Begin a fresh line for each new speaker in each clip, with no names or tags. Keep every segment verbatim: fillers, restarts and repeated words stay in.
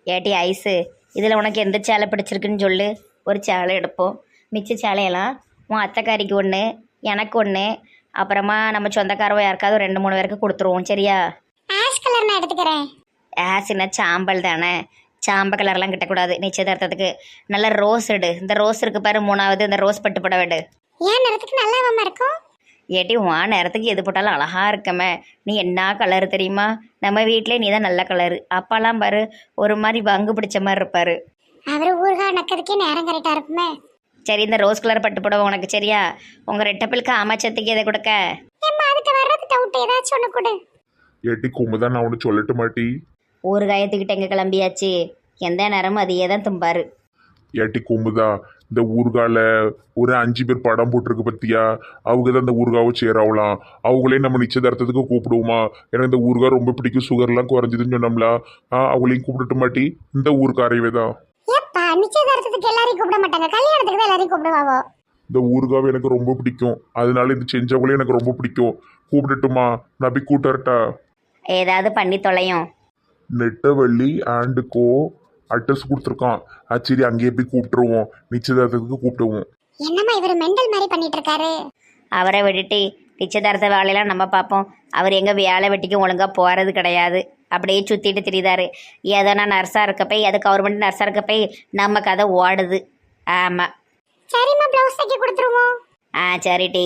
ஏட்டி ஐஸு, இதில் உனக்கு எந்த சேலை பிடிச்சிருக்குன்னு சொல்லு. ஒரு சேலை எடுப்போம். மிச்ச சேலையெல்லாம் உன் அத்தைக்காரிக்கு ஒன்று, எனக்கு ஒன்று, அப்புறமா நம்ம சொந்தக்காரவோ யாருக்காவது ரெண்டு மூணு பேருக்கு கொடுத்துருவோம். சரியா?
ஆஷ் கலர் நான் எடுத்துக்கிறேன்.
ஆசினா சாம்பல் தானே, சாம்ப கலர்லாம் கிட்டக்கூடாது நிச்சயதார்த்தத்துக்கு. நல்ல ரோஸ் எடு. இந்த ரோஸ் இருக்கு பாரு மூணாவது, இந்த ரோஸ் பட்டு புடவை எடு.
ஏன் நேரத்துக்கு நல்லாவாம இருக்கும்?
ஏட்டி உன் நேரத்துக்கு எது போட்டாலும் அழகா இருக்கமே. நீ என்ன கலர் தெரியுமா? நம்ம வீட்டிலே நீ தான் நல்ல கலரு. அப்பாலாம் பாரு ஒரு மாதிரி வங்கு பிடிச்ச மாதிரி இருப்பாரு.
அவரு ஊர்கா நக்கிறதுக்கே நேரம் கரெக்டா இருக்குமே.
சரி, இந்த ரோஸ் கலர் பட்டு புடவை உனக்கு சரியா? உங்க ரெட்டப்பிலுக்கு அமைச்சத்துக்கு எதை கொடுக்க?
ஏம்மா அதுக்கு வர்றது டவுட் ஏதாச்சும் ஒன்று கொடு.
ஏட்டி கும்புதான், நான் ஒன்று சொல்லட்டு மாட்டி.
ஒரு காயத்துக்கிட்ட எங்கே கிளம்பியாச்சு? எந்த நேரமும் அதையே தான் தும்பாரு.
ஏட்டி கும்புதா, இந்த ஊர்கால ஒரு அஞ்சு பேர் படம் போட்டிருக்கு பத்தியா? அவங்க தான் இந்த ஊர்காவை சேராவலாம். அவங்களே நம்ம நிச்சயதார்த்தத்துக்கு கூப்பிடுவோமா? ஏன்னா இந்த ஊர்கா ரொம்ப பிடிக்கும், சுகர்லாம் குறைஞ்சதுன்னு சொன்னோம்ல. ஆ அவங்களையும் கூப்பிட்டு மாட்டி. இந்த ஊருக்காரையவே தான்.
ஏப்பா நிச்சயதார்த்தத்துக்கு எல்லாரையும் கூப்பிட மாட்டாங்க, கல்யாணத்துக்கு தான் எல்லாரையும் கூப்பிடுவாவோ.
இந்த ஊர்காவை எனக்கு ரொம்ப பிடிக்கும், அதனால இது செஞ்சவங்களே எனக்கு ரொம்ப பிடிக்கும். கூப்பிட்டுட்டுமா? நான் போய் கூட்டர்ட்டா?
ஏதாவது பண்ணி தொலையும்.
நெட்டவள்ளி ஆண்டுக்கோ அட்ரஸ் கொடுத்துருக்கான். சரி, அங்கேயே போய் கூப்பிட்டுருவோம், நிச்சயதார்த்தத்துக்கு கூப்பிடுவோம்.
என்னம்மா இவர் மெண்டல் மாதிரி பண்ணிட்டு இருக்காரு?
அவரை விட்டுட்டு நிச்சயதார்த்த வேலையெல்லாம் நம்ம பார்ப்போம். அவர் எங்கே வேலை வெட்டிக்கும் ஒழுங்காக போகிறது கிடையாது. அப்படியே சுற்றிட்டு திரிதாரு. ஏதோ நான் நர்ஸாக இருக்க போய், அது கவர்மெண்ட் நர்ஸாக இருக்க போய் நம்ம கதை ஓடுது. ஆமாம்.
சரிம்மா ப்ளவுஸ் தைக்க கொடுத்துருவோம்.
ஆ சரி டி.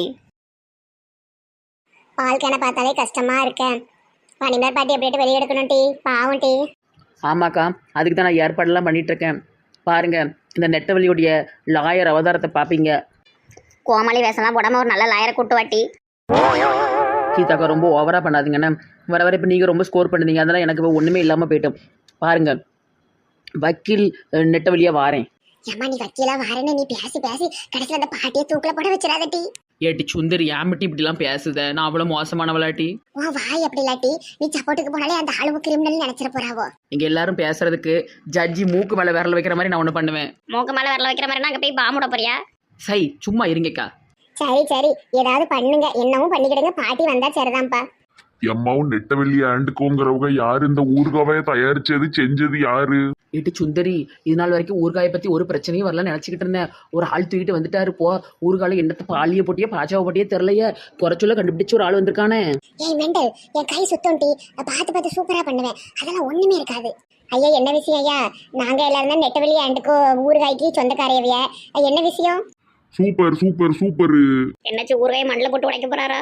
பால் கேனை பார்த்தாலே கஷ்டமா இருக்கேன். பனிமேல் பாட்டி அப்படியே வெளியே எடுக்கணும் டி, பாவம் டி.
ஆமாக்கா, அதுக்கு தான் நான் ஏற்பாடெல்லாம் பண்ணிகிட்ருக்கேன். பாருங்கள், இந்த நெட்டவழியுடைய லாயர் அவதாரத்தை பார்ப்பீங்க.
கோமாளி வேஷம்லாம் போடாமல் ஒரு நல்ல லாயரை கூட்டு வாட்டி.
கீதாக்கா ரொம்ப ஓவராக பண்ணாதீங்கண்ணே. வர வர இப்போ நீங்கள் ரொம்ப ஸ்கோர் பண்ணுறீங்க, அதெல்லாம் எனக்கு இப்போ ஒன்றுமே இல்லாமல் போயிட்டோம். பாருங்கள், வக்கீல் நெட்டவழியாக வாரேன்.
ஏம்மா நீ வக்கீலா வாரேன்னு நீ பேசி பேசி கடைசியில் அந்த பாட்டியை தூக்கில் போட வச்சிடாத டி.
ஏட்டி சுந்தரி, ஏமிட்டி இப்படிலாம் பேசுத? நான் அவ்வளோ மோசமானவளாட்டி?
உன் வாய் அப்படி இல்லாட்டி நீ சப்போர்ட்டுக்கு போனாலே அந்த ஆளுவு கிரிமினல் நினைச்சிட போறாவோ.
இங்கே எல்லாரும் பேசுறதுக்கு ஜட்ஜி மூக்கு மேலே விரல் வைக்கிற மாதிரி நான் ஒன்று பண்ணுவேன்.
மூக்கு மேலே விரல வைக்கிற மாதிரி நாங்கள் போய் பாம்புட போறியா?
சை, சும்மா இருங்கக்கா.
சரி சரி ஏதாவது பண்ணுங்க, என்னவும் பண்ணிக்கிடுங்க, பாட்டி வந்தா சரிதான்ப்பா.
எம்மாவும் நெட்டவள்ளி ஆண்டுக்கோங்கிறவங்க யாரு? இந்த ஊர்காவை தயாரிச்சது செஞ்சது யாரு?
ஏட்டி சுந்தரி, இது நாள் வரைக்கும் ஊர்காயை பற்றி ஒரு பிரச்சனையும் வரல நினச்சிக்கிட்டு இருந்தேன். ஒரு ஆள் தூக்கிட்டு வந்துட்டாரு போ. ஊர்கால என்னத்தை பாலிய போட்டியே பாச்சாவை போட்டியே தெரிலையே, குறைச்சொல்ல கண்டுபிடிச்சு ஒரு ஆள் வந்திருக்கானே.
ஏய் மெண்டல், என் கை சுத்தம் டி, பார்த்து பார்த்து சூப்பரா பண்ணுவேன், அதெல்லாம் ஒண்ணுமே இருக்காது. ஐயா என்ன விஷயம் ஐயா? நாங்க எல்லாரும் தான் நெட்டவெளி ஆண்டுக்கோ ஊறுகாய்க்கு சொந்தக்காரையவைய. என்ன விஷயம்?
Super super super.
என்னாச்சு, ஊறுகாய் மண்ணில் போட்டு உடைக்க போறாரா?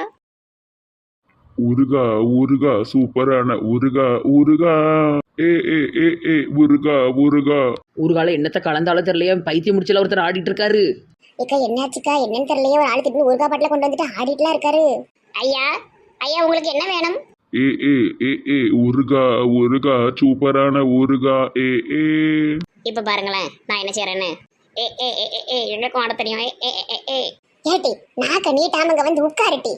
ஊருகா ஊருகா சூப்பரான ஊருகா ஊருகா ஏ ஏ ஏ ஏ ஊருகா ஊருகா.
ஊர்கால என்னத்தை கலந்தாலும் தெரியலையே, பைத்தியம் முடிச்சல ஒருத்தர் ஆடிட்டு இருக்காரு.
இக்கா என்னாச்சுக்கா? என்னன்னு தெரியலையே, ஒரு ஆளு திட்டு ஊறுகாய் பாட்டில கொண்டு வந்துட்டு ஆடிட்டுலாம் இருக்காரு. ஐயா ஐயா உங்களுக்கு என்ன வேணும்?
ஏ ஏ ஏ ஏ ஊருகா ஊருகா சூப்பரான ஊருகா ஏ ஏ.
இப்போ பாருங்களேன் நான் என்ன செய்யறேன்னு. ஏ ஏ ஏ ஏ ஏ எங்களுக்கும் ஆட தெரியும். ஏ ஏ ஏ ஏ ஏ.
ஏட்டி நாக்க நீட்டாமங்க வந்து உட்காருட்டி.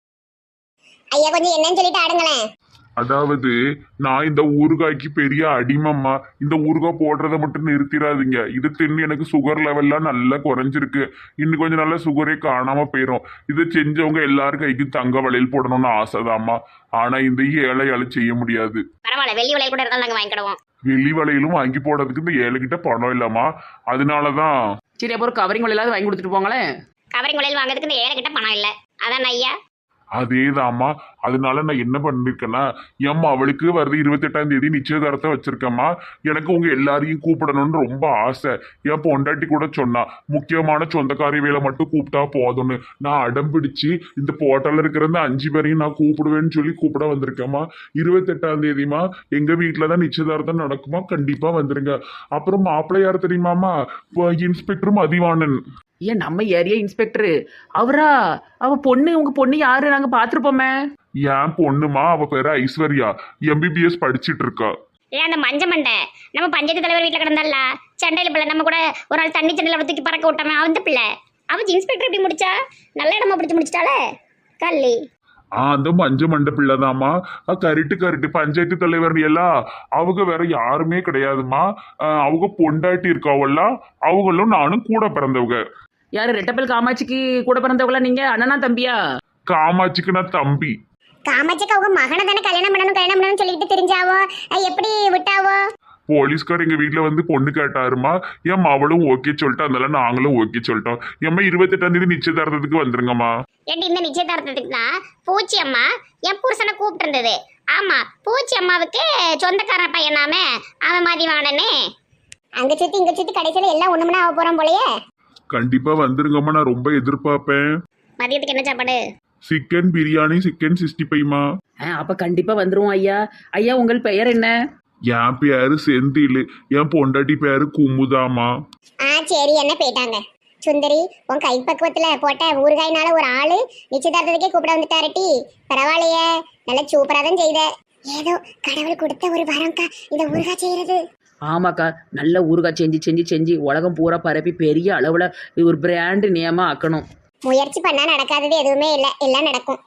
ஐயா கொஞ்சம் என்னன்னு சொல்லிட்டு ஆடுங்களேன்.
அதாவது நான் இந்த ஊறுகாய்க்கு பெரிய அடிமம்மா. இந்த ஊறுகாய் போடுறத மட்டும் நிறுத்திடாதீங்க. இது தின்னு எனக்கு சுகர் லெவல்லாம் நல்லா குறைஞ்சிருக்கு. இன்னும் கொஞ்சம் நல்லா சுகரே காணாம போயிடும். இதை செஞ்சவங்க எல்லாரும் கைக்கு தங்க வளையல் போடணும்னு ஆசைதாம்மா. ஆனா இந்த ஏழையால செய்ய முடியாது.
பரவாயில்ல, வெள்ளி வளையல் கூட இருந்தாலும் நாங்கள் வாங்கிக்கிடுவோம்.
வெள்ளி வளையலும் வாங்கி போடுறதுக்கு இந்த ஏழைகிட்ட பணம் இல்லம்மா. அதனாலதான்.
சரி, அப்போ ஒரு கவரிங் வலையிலாவது வாங்கி கொடுத்துட்டு போங்களேன்.
கவரிங் வளையல் வாங்குறதுக்கு இந்த ஏழை கிட்ட பணம் இல்லை, அதான் ஐயா.
அதேதாம்மா. அதனால நான் என்ன பண்ணிருக்கேன்னா, எம்மா அவளுக்கு வருது இருபத்தெட்டாம் தேதி நிச்சயதார்த்தம் வச்சிருக்கேம்மா. எனக்கு உங்க எல்லாரையும் கூப்பிடணும்னு ரொம்ப ஆசை. என் பொண்டாட்டி கூட சொன்னா முக்கியமான சொந்தக்காரி வேலை மட்டும் கூப்பிட்டா போதும்னு. நான் அடம் பிடிச்சு இந்த போட்டோல இருக்கிற இந்த அஞ்சு பேரையும் நான் கூப்பிடுவேன்னு சொல்லி கூப்பிட வந்திருக்கேம்மா. இருபத்தெட்டாம் தேதிமா எங்க வீட்டுலதான் நிச்சயதார்த்தம் நடக்குமா, கண்டிப்பா வந்துருங்க. அப்புறம் மாப்பிள்ளை யார் தெரியுமாமா? இன்ஸ்பெக்டர் மதிவாணன்.
ஏன் நம்ம ஏரியா இன்ஸ்பெக்டரு அவரா? அவ பொண்ணு, உங்க பொண்ணு யாரு? நாங்க பாத்துருப்போமே.
என் பொண்ணுமா, அவ பேரு ஐஸ்வர்யா, எம்பிபிஎஸ் படிச்சுட்டு இருக்கா.
ஏன் அந்த மஞ்ச மண்டை நம்ம பஞ்சாயத்து தலைவர் வீட்டில் கிடந்தால சண்டையில் பிள்ளை, நம்ம கூட ஒரு நாள் தண்ணி சண்டையில் தூக்கி பறக்க விட்டாமே அந்த பிள்ளை. அவன் இன்ஸ்பெக்டர் எப்படி முடிச்சா? நல்ல இடமா பிடிச்சி முடிச்சிட்டாலே கல்லி.
ஆ அந்த மஞ்ச மண்ட பிள்ளைதாம்மா. Correct correct. பஞ்சாயத்து தலைவர் எல்லாம் அவங்க வேற யாருமே கிடையாதுமா. அவங்க பொண்டாட்டி இருக்காவெல்லாம், அவங்களும் நானும் கூட பிறந்தவங்க.
யாரு? ரெட்டப்பல் காமாட்சிக்கு கூட பிறந்தவங்களா நீங்க? அண்ணனா தம்பியா?
காமாட்சிக்கு நான் தம்பி.
காமாட்சிக்கு அவங்க மகனை தானே கல்யாணம் பண்ணணும் கல்யாணம் பண்ணணும்னு சொல்லிட்டு தெரிஞ்சாவோ, எப்படி விட்டாவோ?
போலீஸ்கார் எங்க வீட்டுல வந்து பொண்ணு கேட்டாருமா, என் அவளும் ஓகே சொல்லிட்டு அதனால நாங்களும் ஓகே சொல்லிட்டோம். ஏம்மா இருபத்தெட்டாம் தேதி நிச்சயதார்த்தத்துக்கு வந்துருங்கம்மா.
ஏட்டி இந்த நிச்சயதார்த்தத்துக்கு தான் பூச்சி அம்மா என் புருஷனை கூப்பிட்டு இருந்தது. ஆமா, பூச்சி அம்மாவுக்கு சொந்தக்காரன் பையனாமே அவன் மதிவானனே. அங்க சுத்தி இங்க சுத்தி கடைசியில எல்லாம் ஒண்ணுமனா ஆக போறோம் போலயே.
கண்டிப்பா வந்துருங்கம்மா, நான் ரொம்ப எதிர்பார்ப்பேன்.
மதியத்துக்கு என்ன சாப்பாடு?
சிக்கன் பிரியாணி, சிக்கன் சிக்ஸ்டி ஃபைவ்மா.
ஆ அப்போ கண்டிப்பாக வந்துருவோம் ஐயா. ஐயா உங்கள் பெயர் என்ன?
என் பேரு செந்தில், என் பொண்டாட்டி பேரு குமுதாமா.
ஆ சரி, என்ன போயிட்டாங்க. சுந்தரி, உன் கைப்பக்குவத்துல போட்ட ஊறுகாய்னால ஒரு ஆளு நிச்சயதார்த்தத்துக்கே கூப்பிட வந்துட்டாரட்டி. பரவாயில்லையே, நல்ல சூப்பரா தான் செய்த. ஏதோ கடவுள் கொடுத்த ஒரு வரம்க்கா இந்த ஊறுகாய் செய்யறது.
ஆமாக்கா, நல்ல ஊறுகாய் செஞ்சு செஞ்சு செஞ்சு உலகம் பூரா பரப்பி பெரிய அளவில் ஒரு பிராண்டு நேமாக ஆக்கணும்.
முயற்சி பண்ணா நடக்காதது எதுவுமே இல்லை, எல்லாம் நடக்கும்.